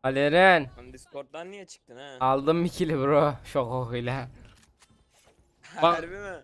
Aleren. Lan Discord'dan niye çıktın ha? Aldım bir kili bro. Şok okuyla. Bak. Harbi mi?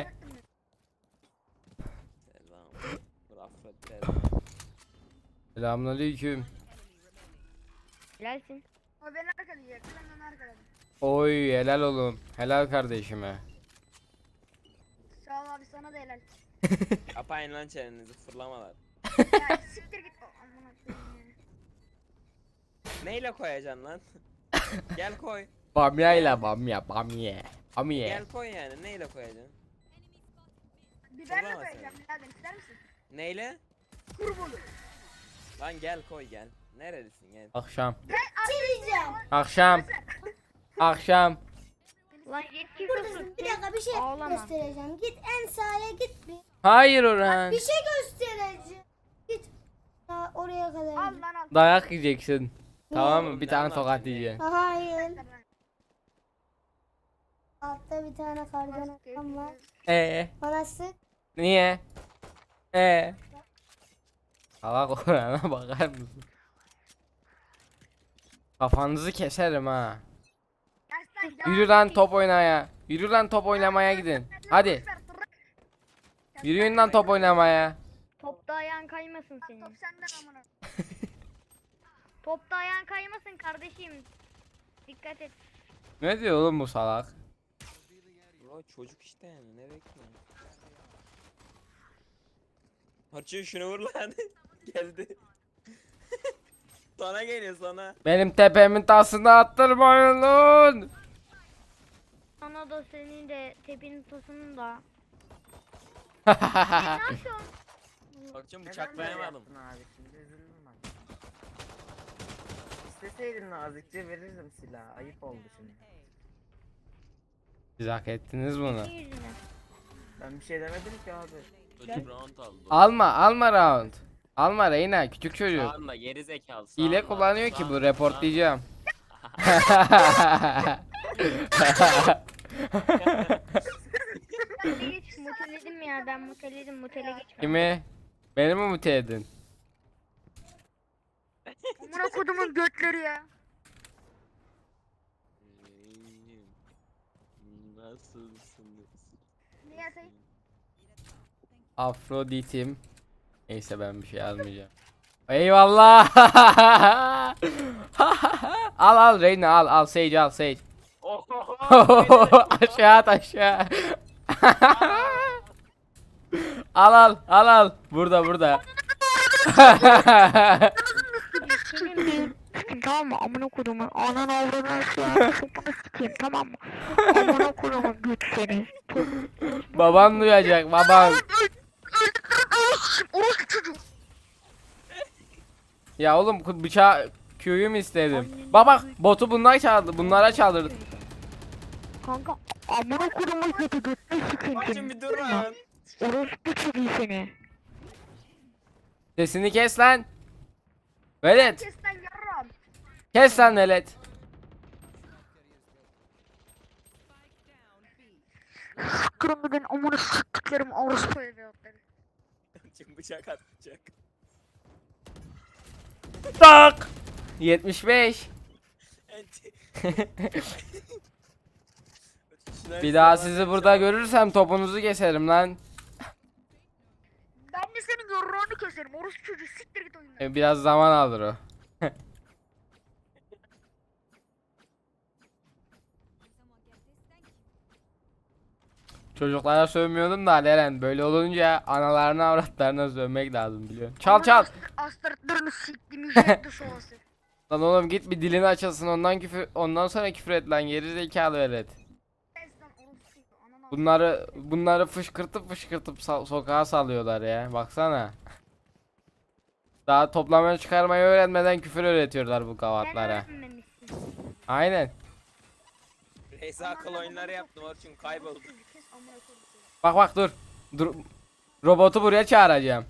Selam. Rafet selam. Selamünaleyküm. Helalsin. O beni arkalayacak. Ben onu arkaladım. Oy helal oğlum. Helal kardeşime. Sağ ol abi, sana da helal. Kapayın lan çenenizi fırlamalar. Ya siktir git. Amına koyayım ya. Neyle koyacaksın lan? Gel koy. Bamyayla bamya bamya. Bamya. Gel koy yani. Neyle koyacaksın? Biberle Soramaz koyacağım birader, ister misin? Neyle? Kurbulu. Lan gel koy gel. Nerelisin gel. Akşam. Sileceğim. Akşam. Akşam. Lan yetki Buradasın. Bir dakika bir şey Ağlama. göstereceğim. Git en sağa git bir. Hayır Orhan. Bir şey göstereceğim. Git. Ha, oraya kadar. Al git. lan al. Dayak yiyeceksin. Tamam mı? Bir Ne tane anlattın tokat ya? yiyeceksin. Ha, hayır. Altta bir tane kardan adam var. Bana sık. Niye? Salak Orhan'a bakar mısın? Kafanızı keserim ha. Yürü lan top oynaya. Yürü lan top oynamaya gidin. Hadi. Yürüyün lan top oynamaya. Topta ayağın kaymasın Top senin. senden amına. Topta ayağın kaymasın kardeşim. Dikkat et. Ne diyor oğlum bu salak? Bro çocuk işte yani ne bekliyorsun? Harçı şunu vur lan. Geldi. Sana geliyor sana. Benim tepemin tasını attırmayın lan. Sana da senin de tepinin tosunun da. Ne yapıyorsun? Harçın bıçaklayamadım. Abi şimdi üzüldüm ben. İsteseydin nazikçe verirdim silahı. Ayıp oldu şimdi. Siz hak ettiniz bunu. Senin yüzünden. Ben bir şey demedim ki abi. Çocuk round aldı. Alma round. Alma Reyna küçük çocuk. Sağında geri zekalı. Hile sağında, kullanıyor ki bu sağında, reportlayacağım. Ben de geç muteledim ya, ben muteledim, mutele geç. Kimi? Beni mi mute edin? Amına kodumun götleri ya. Nasılsınız? Niye atayım? Afrodit'im. Neyse ben bir şey almayacağım. Eyvallah. Al Reyna al Sage al Sage. Aşağı at aşağı. al. Burada. Senin bir tamam mı? Amına kodumun anan avradını siyah sopunu sikeyim, tamam mı? Amına kodumun güç seni. Baban duyacak baban. Ya oğlum bıçağı Q'yu mu istedim? Bak botu bunlara çaldırdı. Kanka amına kodumun kötü götünü sikeyim Harçın seni. bir dur lan. Orospu çocuğu seni. Sesini kes lan. Velet. Kes lan yarram. Kes lan velet. Kırım ben amına siktiklerim orospu evlatları. Harçın bıçak atacak. Tak. 75. Bir daha sizi burada görürsem topunuzu keserim lan. Ben de senin yarrağını keserim. Orospu çocuğu, siktir git oyundan. Biraz zaman alır o. Çocuklara sövmüyordum da Leren böyle olunca analarına avratlarına sövmek lazım biliyorsun. Çal. Astırtlarını siktim ücretli soğası. Lan oğlum git bir dilini açılsın ondan sonra küfür et lan geri zekalı velet. Kes lan orospu. Ananı Bunları fışkırtıp sokağa salıyorlar ya. Baksana. Daha toplamaya çıkarmayı öğrenmeden küfür öğretiyorlar bu Sen gavatlara. öğrenmemişsin. Aynen. Neyse akıl oyunları yaptım Harçın kayboldu. kes amına koyayım. Bak dur. Robotu buraya çağıracağım.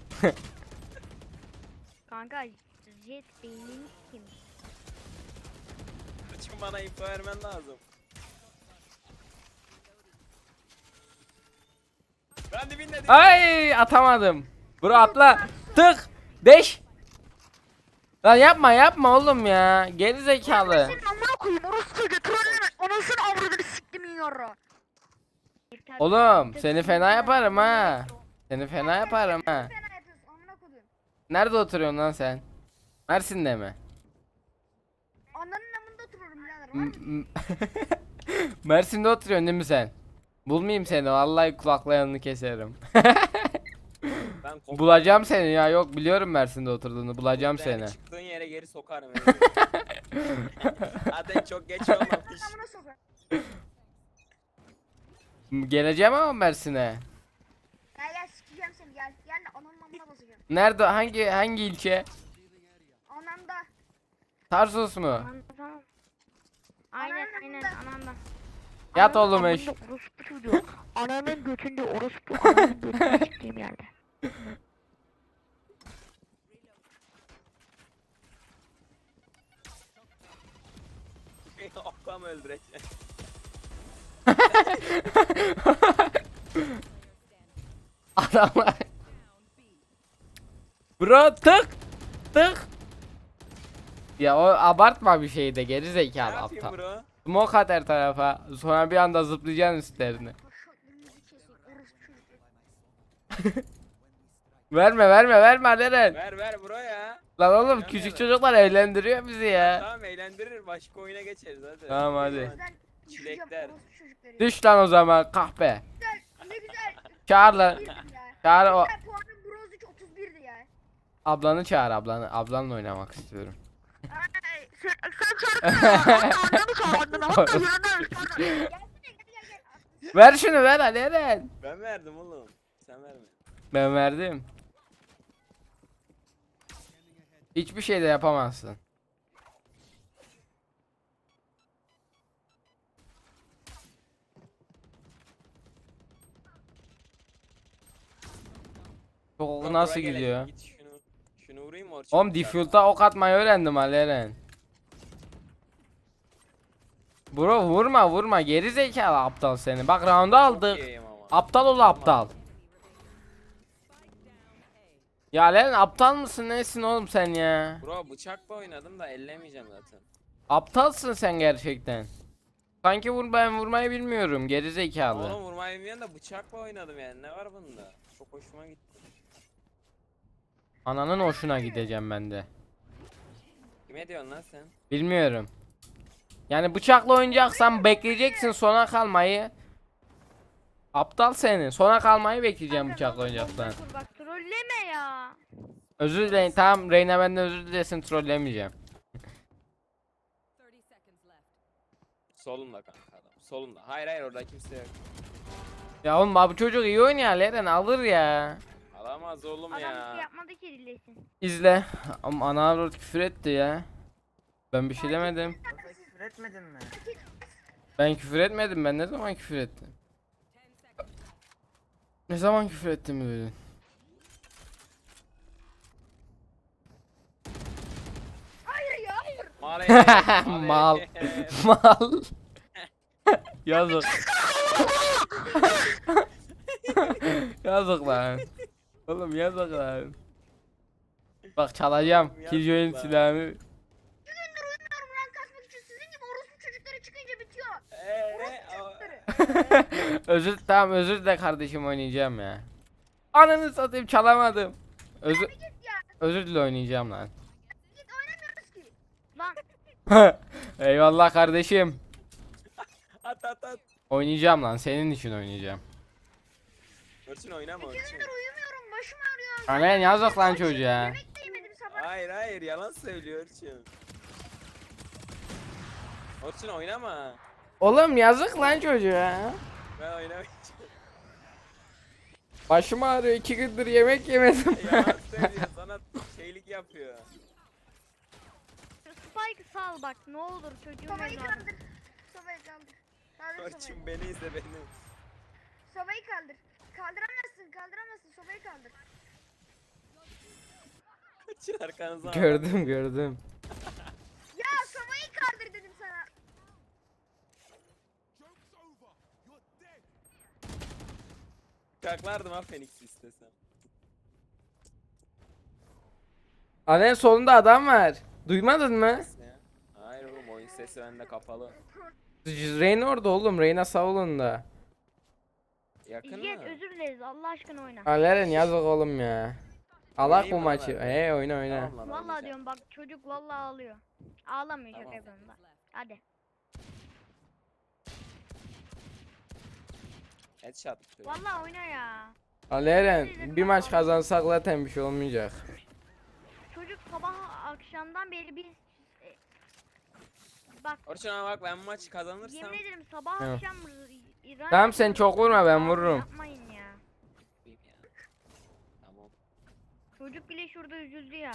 Kanka jet beynin kim? Harçın bana info vermen lazım. Ben dibinde. Ay atamadım. Bro atla. Tık. 5. Lan yapma yapma oğlum ya. Geri zekalı. Senin amına koyayım orospu çocuğu trolleme. Anasını avradını siktim yiyor. Oğlum seni fena yaparım ha. Seni fena yaparım ha. Fena yapıyorsun amına koyayım. Nerede oturuyorsun lan sen? Mersin'de mi? Ananın amında otururum birader. Var M- mı? m- Mersin'de oturuyorsun değil mi sen? Bulmayayım seni vallahi kulaklarını keserim. Ben koptum. Bulacağım seni ya, yok biliyorum Mersin'de oturduğunu, bulacağım Yani seni. çıktığın yere geri sokarım. Zaten çok geç olmamış. Amına sokar. Geleceğim ama Mersin'e. Gel gel sikeceğim seni gel. Gel de ananın amına basacağım. Nerede, hangi ilçe? Ananda. Tarsus mu? Tamam. Aynen aynen anamda. Yat Ananın oğlum eş. amında orospu çocuğu. Ananın götünde orospu. Ananın götünde siktiğim yerde. Okla mı öldüreceksin? Adamlar. Bro tık tık. Ya o abartma bir şey de, geri Ne zekalı yapayım aptal. bro? Smoke at her tarafa. Sonra bir anda zıplayacaksın üstlerine. Paşa elinizi kesin. Orospu çocukları. Verme Aleren. Ver bro ya. Lan oğlum Verme, küçük ver. çocuklar eğlendiriyor bizi ya. Tamam eğlendirir, başka oyuna geçeriz hadi. Tamam, hadi. Gözden düşeceğim Çilekler. orospu çocukları. Düş lan o zaman kahpe. Güzel. Ne güzel. Çağır lan. 31'di ya. Çağır o Güzel puanım bronz 3 31'di ya. ablanı çağır, ablanı. Ablanla oynamak istiyorum. Ay, Sen çağırdın mı çağırdın? Hatta yanına gelsene gel. Ver şunu, ver Aleren. Ben verdim oğlum. Sen verme. Ben verdim. Hiçbir şey de yapamazsın. Çok Bro, nasıl buraya gelelim. gidiyor? Git şunu vurayım mı Orçun? Oğlum default'a ok atmayı öğrendim Aleren. Bro vurma geri zekalı aptal seni. Bak round'u aldık. Okeyim ama. Aptal ol aptal. Ya Aleren aptal mısın nesin oğlum sen ya? Bro bıçakla oynadım da ellemeyeceğim zaten. Aptalsın sen gerçekten. Sanki ben vurmayı bilmiyorum geri zekalı. Oğlum vurmayı bilmiyorum da bıçakla oynadım yani, ne var bunda? Çok hoşuma gitti. Ananın hoşuna gideceğim ben de. Kime diyorsun lan sen? Bilmiyorum. Yani bıçakla oynayacaksan bekleyeceksin sona kalmayı. Aptal seni. Sona kalmayı bekleyeceğim bıçakla oynayacaksan. Bak trolleme ya. Özür dileyin. Tamam Reyna benden özür dilesin, trollemeyeceğim. Solunda kanka adam. Solunda. Hayır orada kimse yok. Ya oğlum bu çocuk iyi oynuyor, Leren alır ya. Alamaz oğlum Adam bir şey ya. yapmadı ki dinlesin. İzle. Ama ana avrat küfür etti ya. Ben bir şey demedim. Yoksa küfür etmedin mi? Ben küfür etmedim. Ben ne zaman küfür ettim? Ne zaman küfür ettim dedin? Hayır ya hayır. Mal. Mal. Yazık. Yazık lan. Oğlum yazık lan. Bak çalacağım. Yazık Killjoy'un lan. silahını. 2 gündür uyumuyorum rank kasmak için. Sizin gibi orospu çocukları çıkınca bitiyor. Özür de kardeşim, oynayacağım ya. Ananı satayım, çalamadım. Özür dile, oynayacağım lan. Git oynamıyoruz ki. Lan Eyvallah kardeşim. At. Oynayacağım lan, senin için oynayacağım. Orçun oynama 2 Orçun. gündür uyumuyorum. Başım ağrıyor. Annen yazık lan çocuğa. Yemek de yemedim sabah. Hayır yalan söylüyor Orçun. Orçun oynama. Oğlum yazık lan çocuğa. Ben oynamayacağım. Başım ağrıyor, 2 gündür yemek yemedim. Yalan söylüyor, sana şeylik yapıyor. şu Spike'ı sal bak ne olur çocuğum Sobayı evladım. kaldır. Sobayı kaldır. Kaldır sobayı. Orçun beni izle beni. Sobayı kaldır. Kaldıramazsın. Sobayı kaldır. Orçun arkanıza. Gördüm. Ya sobayı kaldır dedim sana. Kaklardım ha Phoenix'i istesem. Alen solunda adam var. Duymadın mı? Ne? Hayır oğlum, oyun sesi bende kapalı. Reyna orada oğlum. Reyna savununda. Yakın Jet mı? özür dileriz Allah aşkına oyna. Aleren yazık oğlum ya. Alak bu Oynayayım mı maçı. lan? Oyna oyna. Tamam lan, Vallahi oynayacağım. diyorum bak çocuk vallahi ağlıyor. Ağlamıyor şaka Tamam. yapıyorum da. Hadi. Headshot. Vallahi oyna ya. Aleren bir maç kazansak zaten bir şey olmayacak. Çocuk sabah akşamdan beri biz bak Orçun ama bak, ben bu maçı kazanırsam yemin ederim sabah Evet. akşam İran Tamam, sen çok vurma, ben vururum. Yapmayın ya. yapayım ya. Tamam. Çocuk bile şurada üzüldü ya.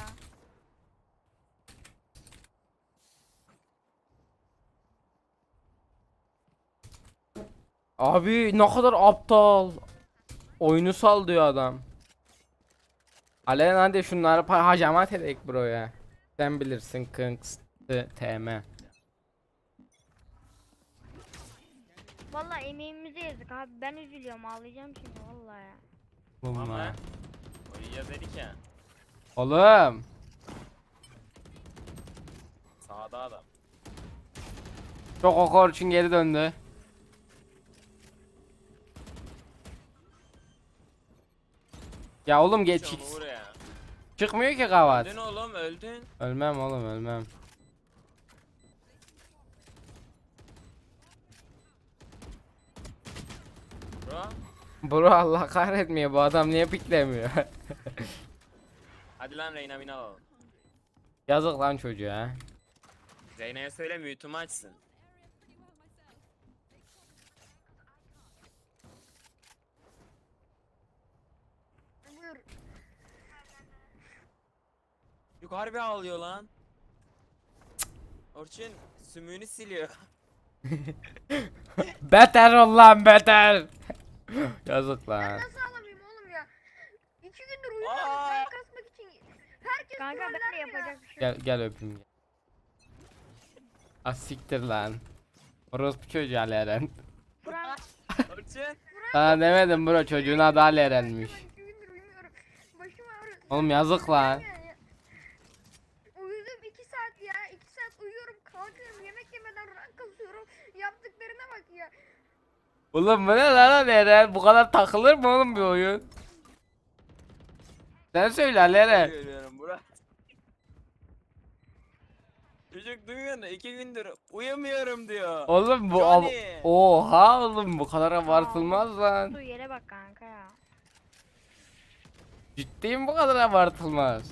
Abi ne kadar aptal. Oyunu sal diyor adam. Aleren hadi şunları hacamat edek bro ya. Sen bilirsin Kings TM. Vallahi emeğimize yazık abi. Ben üzülüyorum ağlayacağım şimdi vallahi ya. Tamam Bunlar. lan. Oynayacağız dedik ya. Oğlum. Sağda adam. Çok okor için geri döndü. Ya oğlum geç Hiç onu vur ya. çıkmıyor ki kavat. Öldün oğlum, öldün. Ölmem oğlum ölmem. Bro. Bro Allah kahretmiyor, bu adam niye piklemiyor? Hadi lan, Reyna Mina alalım. Yazık lan çocuğa. Reyna'ya söyle mute'umu açsın. Buyur. Yukarı bir ağlıyor lan. Orçun sümüğünü siliyor. Beter ol lan beter. Yazık lan. Nasıl ağlamayayım oğlum ya? 2 gündür uyuyorum Aa! ben kasmak için. Herkes Kanka ben de troller ya. yapacak bir şey Gel gel öpeyim. Ah siktir lan. Orospu çocuğu Aleren. Burak, Orçun. Sana demedim bro, çocuğun adı Aleren'miş. ben 2 gündür uyumuyorum. Başım ağrıyor. Oğlum yazık lan. Uyudum 2 saat ya. 2 saat uyuyorum kalkıyorum yemek yemeden rank kasıyorum. Yaptıklarına bak ya. Oğlum bu ne lan Aleren? Bu kadar takılır mı oğlum bir oyun? Sen söyle Aleren. Görüyorum Burak. Çocuk duymuyor da 2 gündür uyumuyorum diyor. Oğlum bu Johnny. oha oğlum, bu kadar abartılmaz lan. Su yere bak kanka ya. Ciddiyim, bu kadar abartılmaz.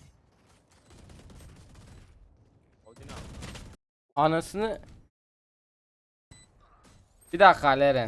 Odin al. Anasını. Bir dakika Aleren.